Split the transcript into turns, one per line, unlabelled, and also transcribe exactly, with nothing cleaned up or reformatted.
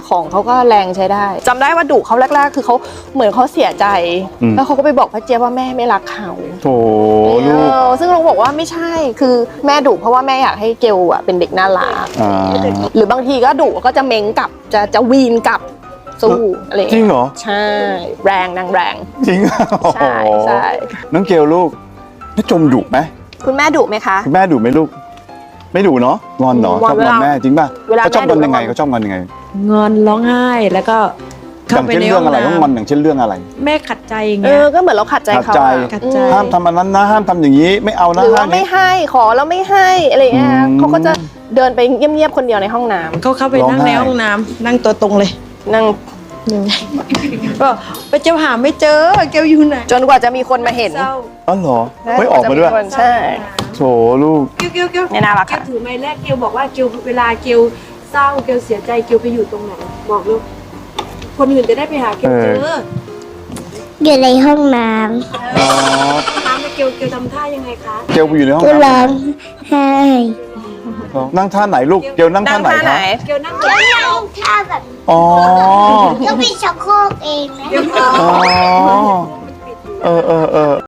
ของเขาก็แรงใช้ได้จำได้ว่าดุเขาแรกๆคือเขาเหมือนเขาเสียใจแล้วเขาก็ไปบอกพระเจี๊ยบว่าแม่ไม่รักเขา
โถลูก
ซึ่งเราบอกว่าไม่ใช่คือแม่ดุเพราะว่าแม่อยากให้เกลอะเป็นเด็กน่ารักหรือบางทีก็ดุก็จะเม้งกลับจะจะวีนกลับสู้อะไร
จริงเหรอ
ใช่แรงนางแรง
จริง
ใช่ใช่
น้องเกลลูกน้าจมดุไหม
คุณแม่ดุไหมคะ
คุณแม่ดุไหมลูกไม่ดุเนาะงอนเนาะ
ง
ช
อ
อน บงอนแม่จริงป่ะ
เวลา
เขาชอบงอนยังไง
แม่ดุ
เขาชอบงอนยังไง
งอนร้องไห้แล้วก็
อ
เข้า
ย่าง
ไป
เช่น
ใน
เรื่
ห้
อ
อง ง
อะไร
น้
ต้องงอนอย่างเช่นเรื่องอะไร
ำแม่ขัดใจอย่าง
เอ
เงี้ย
อก็เหมือนเราขัดใจ
ขัด
เขา
ใจ
อะ
ขัดใจ
ห้ามทำอันนั้นนะห้ามทำอย่างนี้ไม่เอา
ห
นะ
รือ
ห้า
ว่าม ไม่
นี้
ให้ขอแล้วไม่ให้อะไรเงี้ย
อืม
เขาก็จะเดินไปเงียบๆคนเดียวในห้องน้ำ
เขาเข้าไป
ร้อง
นั่งใน
ไห้
ห้องน้ำนั่งตัวตรงเลย
นั่ง
ก็ไปเจ้าหาไม่เจอเกลอยู่ไหน
จนกว่าจะมีคนมาเห็น
เศร้า
อ๋อเหรอไม่ออกมาด้วย
ใช่
โถลูก
เกลเกลเกล
ไม่น่ารัก
เกล
ค่ะ
ถือไม้แรกเกลบอกว่าเกลเวลาเกลเศร้าเกลเสียใจเกลไปอยู่ตรงไหนบอกลูกคนอื่นจะได้ไปหาเกลเจอ
เออ
อยู่ในห้องน้
อ๋อ
น้ำเกลเกลทำท่ายังไงคะ
เกลไปอยู่ในห้อง
ำก็ร้อ
น้ำ
งไห้
นั่งท่าไหนลูกเกลนั่ง
นั่
ท่าง ไหน
ท่าไหน
คะ
เกลนั่ง
ก็นั่งท่าแบบ
อ๋อ
ก็มีชักโครกเองนะ
อ๋อเออเออเออ